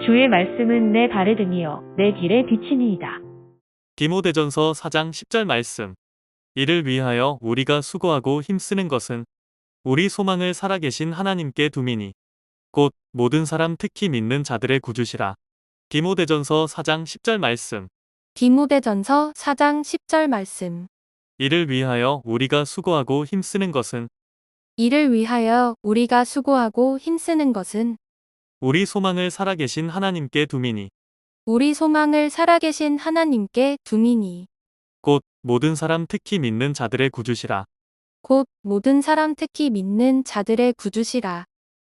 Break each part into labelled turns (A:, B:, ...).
A: 주의 말씀은 내 발에 등이요 내 길에 비치니이다.
B: 디모데전서 4장 10절 말씀. 이를 위하여 우리가 수고하고 힘쓰는 것은 우리 소망을 살아계신 하나님께 둠이니 곧 모든 사람 특히 믿는 자들의 구주시라. 디모데전서 4장 10절 말씀.
C: 디모데전서 4장 10절 말씀.
B: 이를 위하여 우리가 수고하고 힘쓰는 것은
C: 이를 위하여 우리가 수고하고 힘쓰는 것은
B: 우리 소망을 살아계신 하나님께 둠이니
C: 우리 소망을 살아계신 하나님께 둠이니
B: 곧 모든 사람 특히 믿는 자들의 구주시라.
C: 곧 모든 사람 특히 믿는 자들의 구주시라.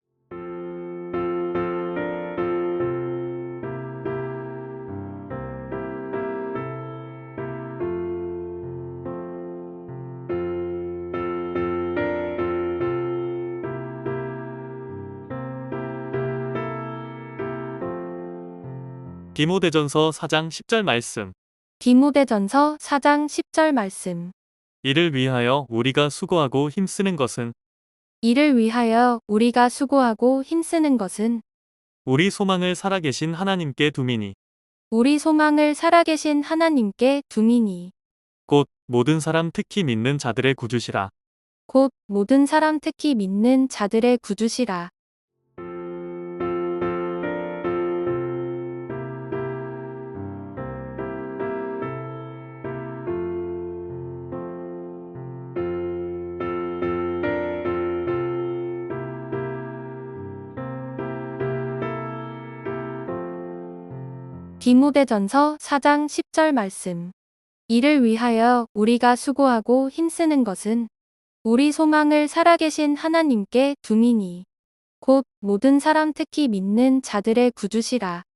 B: 디모데전서 4장 10절 말씀.
C: 디모데전서 4장 10절 말씀.
B: 이를 위하여 우리가 수고하고 힘쓰는 것은
C: 이를 위하여 우리가 수고하고 힘쓰는 것은
B: 우리 소망을 살아계신 하나님께 둠이니
C: 우리 소망을 살아계신 하나님께 둠이니
B: 곧 모든 사람 특히 믿는 자들의 구주시라.
C: 곧 모든 사람 특히 믿는 자들의 구주시라. 디모데전서 4장 10절 말씀. 이를 위하여 우리가 수고하고 힘쓰는 것은 우리 소망을 살아계신 하나님께 둠이니 곧 모든 사람 특히 믿는 자들의 구주시라.